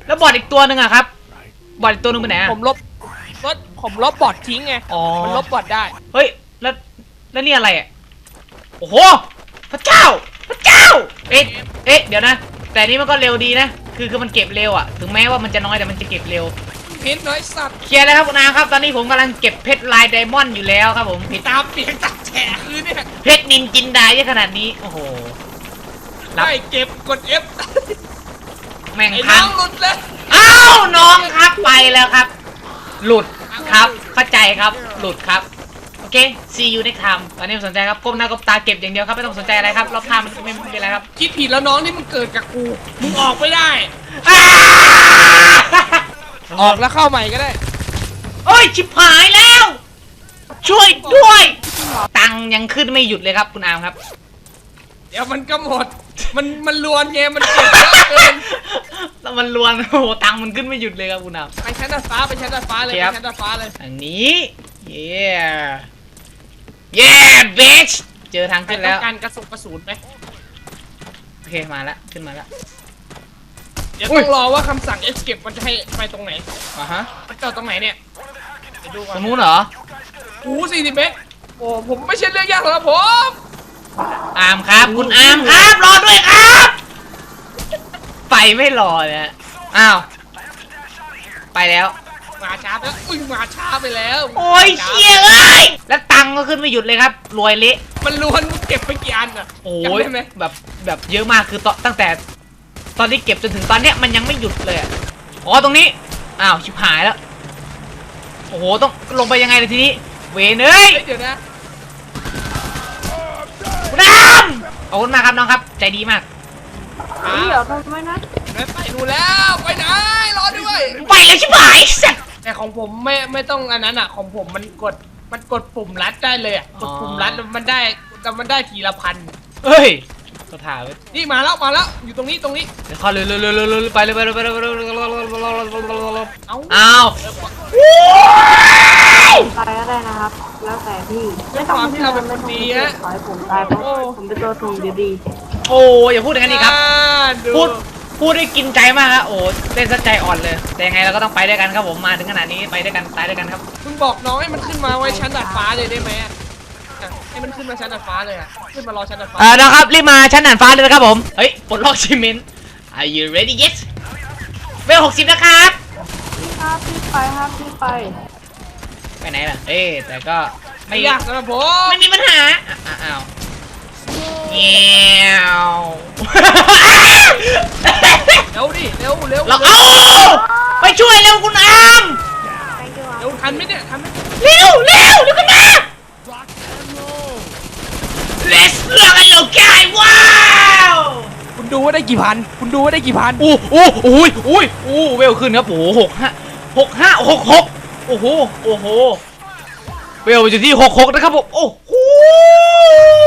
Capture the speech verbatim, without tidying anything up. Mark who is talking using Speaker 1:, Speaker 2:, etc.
Speaker 1: แล้วบอทอีกตัวหนึ่งอะครับบอทอีกตัวหนึ่งไปไหนอะ
Speaker 2: ผมลบรถผมลบบอททิ้งไง
Speaker 1: อ๋อ
Speaker 2: มันลบบอทได้
Speaker 1: เฮ้ยแล้วแล้วนี่อะไรอะโอ้โหพระเจ้าพระเจ้าเอ๊ะเอ๊ะเดี๋ยวนะแต่นี่มันก็เร็วดีนะคือคือมันเก็บเร็วอะถึงแม้ว่ามันจะน้อยแต่มันจะเก็บเร็ว
Speaker 2: เพชรน้อยสัตว์
Speaker 1: เคลียร์แล้วครับคุณอาครับตอนนี้ผมกำลังเก็บเพชรลายไดมอนด์อยู่แล้วครับผมเพชร
Speaker 2: ตามเปียกตัดแฉะคือเนี่ย
Speaker 1: เพชรนินจินดาเยอะขนาดนี้โอ้โหรับ
Speaker 2: ได้เก็บกด F
Speaker 1: แม่ง
Speaker 2: ไอ้
Speaker 1: พั
Speaker 2: น้อง งหลุดเลย
Speaker 1: อ้าวน้องครับไปแล้วครับ หลุดครับเข้าใจครับหลุดครับโอเค see you next time ตอนนี้ไม่สนใจครับก้มหน้าก้มตาเก็บอย่างเดียวครับไม่ต้องสนใจอะไรครับรอบข้างมันไม่ไม่เป็นไรครับ
Speaker 2: คิดผิดแล้วน้องนี่มันเกิดกับกูมึงออกไม่ได้
Speaker 1: อ้า
Speaker 2: ออกแล้วเข้าใหม่ก็ได้
Speaker 1: โอ้ยชิบหายแล้ว ช่วยด้วย ตังค์ยังขึ้นไม่หยุดเลยครับคุณอามครับ
Speaker 2: เดี๋ยวมันก็หมด มันมันลวนไงมันเก็บเยอะเกิน
Speaker 1: แล้วมันลวนโอ้โหตังค์มันขึ้นไม่หยุดเลยครับคุณอาม
Speaker 2: ไปชั้นดาดฟ้าไปชั้นดาดฟ้าเลย
Speaker 1: ค
Speaker 2: ไป
Speaker 1: รับ
Speaker 2: ชั้นดาดฟ้าเลย
Speaker 1: อันนี้เย้เย้เบชเจอทาง
Speaker 2: ใคร
Speaker 1: ขึ้น
Speaker 2: ต้อ
Speaker 1: แล้ว
Speaker 2: งการกระสุนกระสุนไหม
Speaker 1: โอเคมาแล้วขึ้นมาแล้ว
Speaker 2: เดี๋ยว
Speaker 1: อุ้
Speaker 2: ต้
Speaker 1: ย
Speaker 2: องรอว่าคำสั่ง escape มันจะให้ไปตรงไหน
Speaker 1: อ่ะฮะ
Speaker 2: มันจอดตรงไหนเนี่ยเดี๋ยวดูก่อ
Speaker 1: ตร
Speaker 2: น
Speaker 1: งนู้นเหรอ
Speaker 2: โอ้สี่สิบเมตรโอ้ผมไม่ใช่เรื่องยากหรอกครับผม
Speaker 1: อามครับคุณอามครับรอด้วยครับไปไม่รอเลยฮะอ้าวไปแล้ว
Speaker 2: มาช้าไปแล้วอุ้ยมาช้าไปแล้ว
Speaker 1: โอ้ยเชี่ยเอ้ยแล้วตังค์ก็ขึ้นไม่หยุดเลยครับรวยเละ
Speaker 2: มันล้วนเก็บไปกี่อันอ่ะ
Speaker 1: โอ้
Speaker 2: จำ
Speaker 1: ย
Speaker 2: ได้ไหม
Speaker 1: แบบแบบเยอะมากคือตอนตั้งแต่ ตอนที่เก็บจนถึงตอนเนี้ยมันยังไม่หยุดเลยอะอ๋อตรงนี้อ้าวชิบหายแล้วโอ้โหต้องลงไปยังไงเลยทีนี้เวนเอ้ย
Speaker 2: เฮ้ยเดี๋ยวนะ
Speaker 1: คุณอามขอบคุณมากครับน้องครับใจดีมาก
Speaker 2: อ่า
Speaker 3: เดี๋ยวทำไมนะ
Speaker 2: ไปดูแล้วไปไหนรอด้วย
Speaker 1: ไปแล้วชิบหายสัตว์
Speaker 2: แต่ของผมไม่ไม่ต้องอันนั้นอ่ะของผมมันกดมันกดปุ่มรัดได้เลยอ่ะกดปุ่มรัดแล้วมันได้แต่มันได้ทีละพัน
Speaker 1: เฮ้ยเขาถ่ายไว้
Speaker 2: นี่มาแล้วมาแล้วอยู่ตรงนี้ตรงนี้
Speaker 1: เดี๋ยวเข้าเลยเลยเลยเลยเลยไปเลยไปเลยไปเลยไปเลยไปเลย
Speaker 2: เอ้า
Speaker 1: อ้าว
Speaker 3: ตายก็ได้นะครับ แล้วแต่พี่ไม่ต้องไม่ต้องขอให้ผมตายเพราะผมเป็นตัวถ่วงเดียวดี
Speaker 1: โอ้อย่าพูดอย่างนั้นดีครับ
Speaker 2: อ่าดู
Speaker 1: พูดพูดได้กินใจมากครับโอ้เล่นซะใจอ่อนเลย แต่ยังไงเราก็ต้องไปด้วยกันครับผมมาถึงขนาดนี้ไปด้วยกันตายด้วยกันครับ
Speaker 2: คุณบอกน้องให้มันขึ้นมาไว้ชั้นดาดฟ้าเลยได้ไหมอ่ะอ่ะให้มันขึ้นมาชั้นดาดฟ้าเลยอ่ะขึ้นมารอชั้นดาดฟ้า
Speaker 1: เออนะครับรีบมาชั้นหนานฟ้าเลยนะครับผมเฮ้ยปลดล็อกชิมิน Are you ready yet เวลหกสิบนะครับ
Speaker 3: พี่ครับพี่ไปครับพี่ไป
Speaker 1: ไปไหนล่ะเอ๊ะแต่ก็ไม่
Speaker 2: ไม่ยากสำหรับผม
Speaker 1: ไม่มีปัญหาอ่ะอ้าวเงี้ยว
Speaker 2: เร็วดิเร็วเร็ว
Speaker 1: เราเอาไปช่วยเร็วคุณอาม
Speaker 3: ไปดีกว่า
Speaker 2: เร็วทันไหมเนี่ยทันไหม
Speaker 1: เร็วเร็วเร็วกันมา Let's rock and roll guy ว้าว
Speaker 2: คุณดูว่าได้กี่พันคุณดูว่าได้กี่พัน
Speaker 1: อู้อู้อุ้ยอุ้ยอู้เวลขึ้นครับโอ้โหหกห้าหกห้าหกหกโอ้โหโอ้โหเวลอยู่ที่หกหกนะครับผมโอ้โห